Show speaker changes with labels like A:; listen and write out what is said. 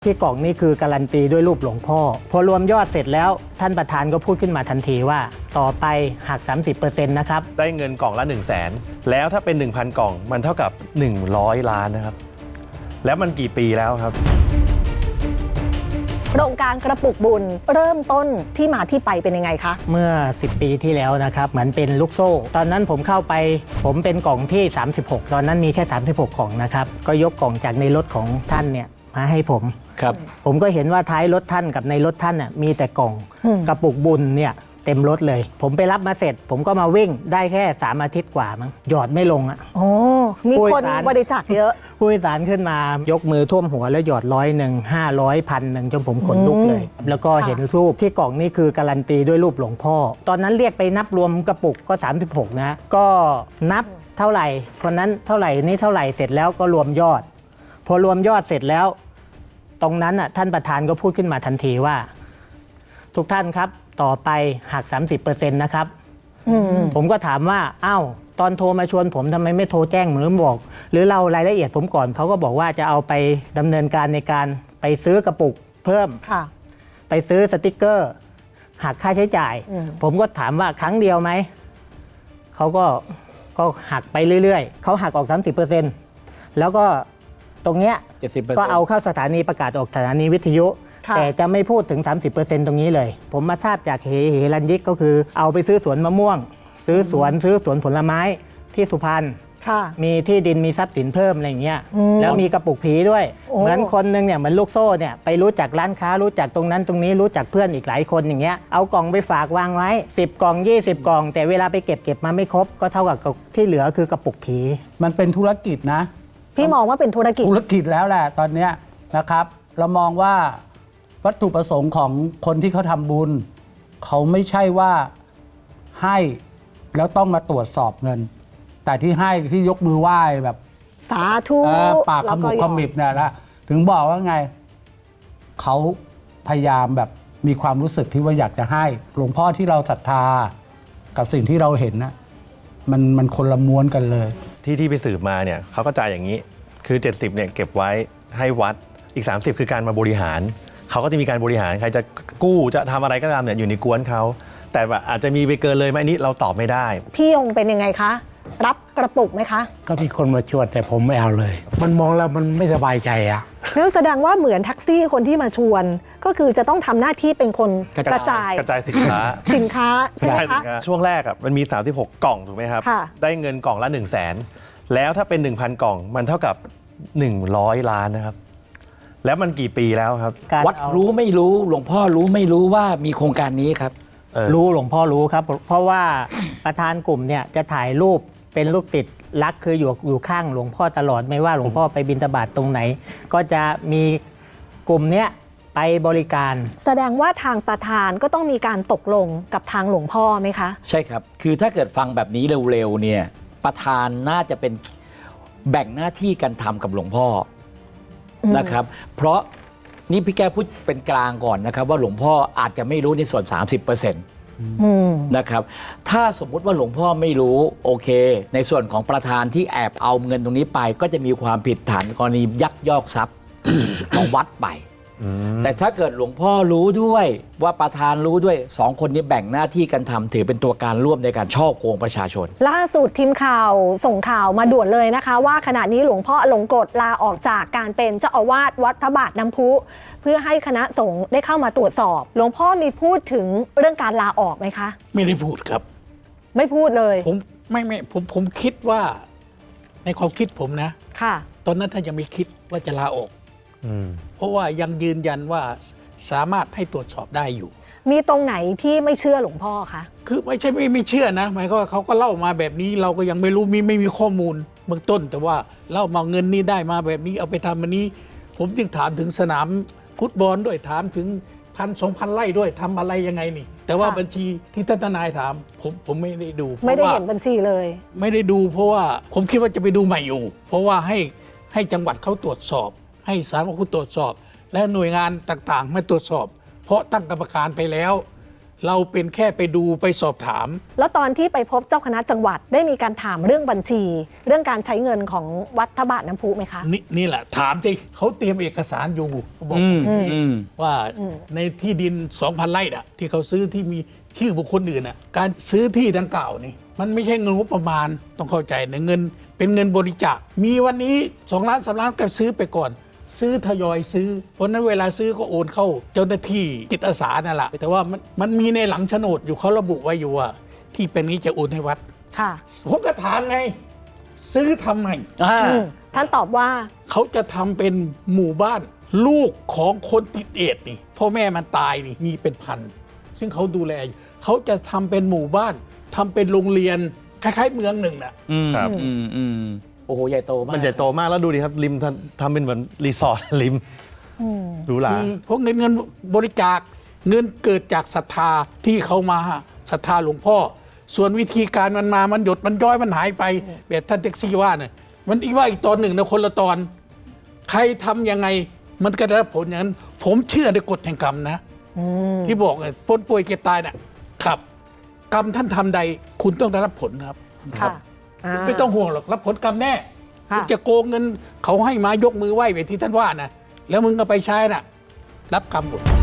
A: ที่กล่องนี่คือการันตีด้วยรูปหลวงพ่อพอรวมยอดเสร็จแล้วท่านประธานก็พูดขึ้นมาทันทีว่าต่อไปหัก 30% นะครับ
B: ได้เงินกล่องละ 100,000 แล้วถ้าเป็น 1,000 กล่องมันเท่ากับ100 ล้านนะครับแล้วมันกี่ปีแล้วครับ
C: โครงการกระปุกบุญเริ่มต้นที่มาที่ไปเป็นยังไงคะ
A: เมื่อ10 ปีที่แล้วนะครับเหมือนเป็นลูกโซ่ตอนนั้นผมเข้าไปผมเป็นกล่องที่36ตอนนั้นมีแค่36กล่องนะครับก็ยกกล่องจากในรถของท่านเนี่ยมาให้ผมก็เห็นว่าท้ายรถท่านกับในรถท่านน่ะมีแต่กล่องกระปุกบุญเนี่ยเต็มรถเลยผมไปรับมาเสร็จผมก็มาวิ่งได้แค่3 อาทิตย์กว่ามั้งหยอดไม่ลงอ่ะ
C: โอ้มีคนบริจาคเยอะ
A: ผู้โดยสารขึ้นมายกมือท่วมหัวแล้วหยอด100 500 1,000จนผมขนลุกเลยแล้วก็เห็นรูปที่กล่องนี่คือการันตีด้วยรูปหลวงพ่อตอนนั้นเรียกไปนับรวมกระปุกก็36นะก็นับเท่าไหร่คนนั้นเท่าไหร่นี่เท่าไหร่เสร็จแล้วก็รวมยอดพอรวมยอดเสร็จแล้วตรงนั้นน่ะท่านประธานก็พูดขึ้นมาทันทีว่าทุกท่านครับต่อไปหัก 30% นะครับผมก็ถามว่าอ้าวตอนโทรมาชวนผมทำไมไม่โทรแจ้งหรือบอกหรือเล่ารายละเอียดผมก่อนเขาก็บอกว่าจะเอาไปดำเนินการในการไปซื้อกระปุกเพิ่มไปซื้อสติกเกอร์หักค่าใช้จ่ายผมก็ถามว่าครั้งเดียวไหมเขาก็หักไปเรื่อยๆเขาหักออก 30% แล้วก็ตรงเนี้ย 70% ก็เอาเข้าสถานีประกาศออกสถานีวิทยุแต่จะไม่พูดถึง 30% ตรงนี้เลยผมมาทราบจากเฮรัญยิกก็คือเอาไปซื้อสวนมะม่วงซื้อสวนผลไม้ที่สุพรรณมีที่ดินมีทรัพย์สินเพิ่มอะไรอย่างเงี้ยแล้วมีกระปุกผีด้วยเหมือนคนนึงเนี่ยเหมือนลูกโซ่เนี่ยไปรู้จักร้านค้ารู้จักตรงนั้นตรงนี้รู้จักเพื่อนอีกหลายคนอย่างเงี้ยเอากล่องไปฝากวางไว้10 กล่อง20 กล่องแต่เวลาไปเก็บมาไม่ครบก็เท่ากับที่เหลือคือกระปุกผี
D: มันเป็นธุรกิจนะ
C: พี่มองว่าเป็นธุรกิจ
D: แล้วแหละตอนนี้นะครับเรามองว่าวัตถุประสงค์ของคนที่เขาทำบุญเขาไม่ใช่ว่าให้แล้วต้องมาตรวจสอบเงินแต่ที่ให้ที่ยกมือไหว้แบบ
C: สาธุ
D: ปากขมุบขมิบเนี่ยละถึงบอกว่าไงเขาพยายามแบบมีความรู้สึกที่ว่าอยากจะให้หลวงพ่อที่เราศรัทธากับสิ่งที่เราเห็นนะมันคนละม้วนกันเลย
B: ที่ไปสืบมาเนี่ยเขาก็จ่ายอย่างนี้คือ70เนี่ยเก็บไว้ให้วัดอีก30คือการมาบริหารเขาก็จะมีการบริหารใครจะกู้จะทำอะไรก็ตามเนี่ยอยู่ในกวนเขาแต่ว่าอาจจะมีไปเกินเลยไหมอันนี้เราตอบไม่ได้
C: พี่ยงเป็นยังไงคะรับกระปุกไหมคะ
E: ก็มีคนมาชวนแต่ผมไม่เอาเลยมันมองแล้วมันไม่สบายใจอะ
C: นั่นแสดงว่าเหมือนแท็กซี่คนที่มาชวนก็คือจะต้องทำหน้าที่เป็นคนกระจาย
B: สินค้า
C: ใช่ไหมคะ
B: ช่วงแรกอ่ะมันมี36กล่องถูกไหมครับได้เงินกล่องละ 100,000 แล้วถ้าเป็น 1,000 กล่องมันเท่ากับ100 ล้านนะครับแล้วมันกี่ปีแล้วครับ
E: วัดรู้ไม่รู้หลวงพ่อรู้ไม่รู้ว่ามีโครงการนี้ครับ
A: รู้หลวงพ่อรู้ครับเพราะว่าประธานกลุ่มเนี่ยจะถ่ายรูปเป็นลูกศิษย์รักคืออยู่ข้างหลวงพ่อตลอดไม่ว่าหลวงพ่อไปบิณฑบาตตรงไหนก็จะมีกลุ่มเนี้ยไปบริการ
C: แสดงว่าทางประธานก็ต้องมีการตกลงกับทางหลวงพ่อไหมคะ
E: ใช่ครับคือถ้าเกิดฟังแบบนี้เร็วๆเนี่ยประธานน่าจะเป็นแบ่งหน้าที่กันทำกับหลวงพ่อนะครับเพราะนี่พี่แก้วพูดเป็นกลางก่อนนะครับว่าหลวงพ่ออาจจะไม่รู้ในส่วน 30%นะครับถ้าสมมุติว่าหลวงพ่อไม่รู้โอเคในส่วนของประธานที่แอบเอาเงินตรงนี้ไปก็จะมีความผิดฐานกรณียักยอกทรัพย์ ของวัดไปแต่ถ้าเกิดหลวงพ่อรู้ด้วยว่าประธานรู้ด้วย2คนนี้แบ่งหน้าที่กันทำถือเป็นตัวการร่วมในการช่อโกงประชาชน
C: ล่าสุดทีมข่าวส่งข่าวมาด่วนเลยนะคะว่าขณะนี้หลวงพ่ออลงกฎลาออกจากการเป็นเจ้าอาวาสวัดพระบาทน้ำพุเพื่อให้คณะสงฆ์ได้เข้ามาตรวจสอบหลวงพ่อมีพูดถึงเรื่องการลาออกไหมคะ
F: ไม่ได้พูดครับ
C: ไม่พูดเลย
F: ผมคิดว่าในความคิดผมนะ
C: ค่ะ
F: ตอนนั้นท่านยังไม่คิดว่าจะลาออกเพราะว่ายังยืนยันว่าสามารถให้ตรวจสอบได้อยู่
C: มีตรงไหนที่ไม่เชื่อหลวงพ่อคะ
F: คือไม่ใช่ไม่เชื่อนะหมายความว่าเขาก็เล่ามาแบบนี้เราก็ยังไม่รู้ไม่มีข้อมูลเบื้องต้นแต่ว่าเล่ามาเงินนี้ได้มาแบบนี้เอาไปทำอันนี้ผมจึงถามถึงสนามฟุตบอลด้วยถามถึง1,000-2,000 ไร่ด้วยทำอะไรยังไงนี่แต่ว่าบัญชีที่ท่านทนายถามผมไม่ได้ดู
C: ไม่ได้เห็นบัญชีเลย
F: ไม่ได้ดูเพราะว่าผมคิดว่าจะไปดูใหม่อยู่เพราะว่าให้จังหวัดเขาตรวจสอบให้ศาลพระคุณตรวจสอบและหน่วยงานต่างๆมาตรวจสอบเพราะตั้งกรรมการไปแล้วเราเป็นแค่ไปดูไปสอบถาม
C: แล้วตอนที่ไปพบเจ้าคณะจังหวัดได้มีการถามเรื่องบัญชี เรื่องการใช้เงินของวัดพระบาทน้ำพุไหมคะ
F: นี่แหละถามสิเขาเตรียมเอกสารอยู่เขาบอกว่าในที่ดิน 2,000 ไร่น่ะที่เขาซื้อที่มีชื่อบุคคลอื่นน่ะการซื้อที่ดังกล่าวนี่มันไม่ใช่เงินงบประมาณต้องเข้าใจนะเงินเป็นเงินบริจาคมีวันนี้2 ล้าน 3 ล้านก็ซื้อไปก่อน ซื้อทยอยซื้อเพราะนั้นเวลาซื้อก็โอนเข้าเจ้าหน้าที่จิตอาสานั่นแหละแต่ว่ามันมีในหลังโฉนดอยู่เขาระบุไว้อยู่ว่าที่เป็นนี้จะโอนให้วัด
C: ค่ะ
F: ผมก็ถามไง ซื้อทำไม
C: ท่านตอบว่า
F: เขาจะทำเป็นหมู่บ้าน ลูกของคนติดเอดส์นี่พ่อแม่มันตายนี่มีเป็นพัน ซึ่งเขาดูแลอยู่เขาจะทำเป็นหมู่บ้านทำเป็นโรงเรียนคล้ายๆเมืองหนึ่งน่ะ
B: ครับ
E: โอ้โหใหญ่โตมาก
B: มันใหญ่โตมากแล้วดูดิครับริมทำเป็นเหมือนรีสอร์ทริมหรูหรา
F: เพราะเงินบริจาคเงินเกิดจากศรัทธาที่เขามาศรัทธาหลวงพ่อ ส่วนวิธีการมันหยดมันย้อยมันหายไปแบบท่านแท็กซี่ว่าเนี่ยมันอีกว่าอีกตอนหนึ่งนะคนละตอน ใครทำยังไงมันก็ได้รับผลอย่างนั้น ผมเชื่อในกฎแห่งกรรมนะที่บอกไงพ้นป่วยเก็บตายน่ะครับ กรรมท่านทำใดคุณต้องได้รับผลครับ
C: ค่ะา
F: ไม่ต้องห่วงหรอกรับผลกรรมแน่
C: ค่ะ
F: จะโกงเงินเขาให้มายกมือไหว้แบบที่ท่านว่านะแล้วมึงก็ไปใช้น่ะ รับกรรมหมด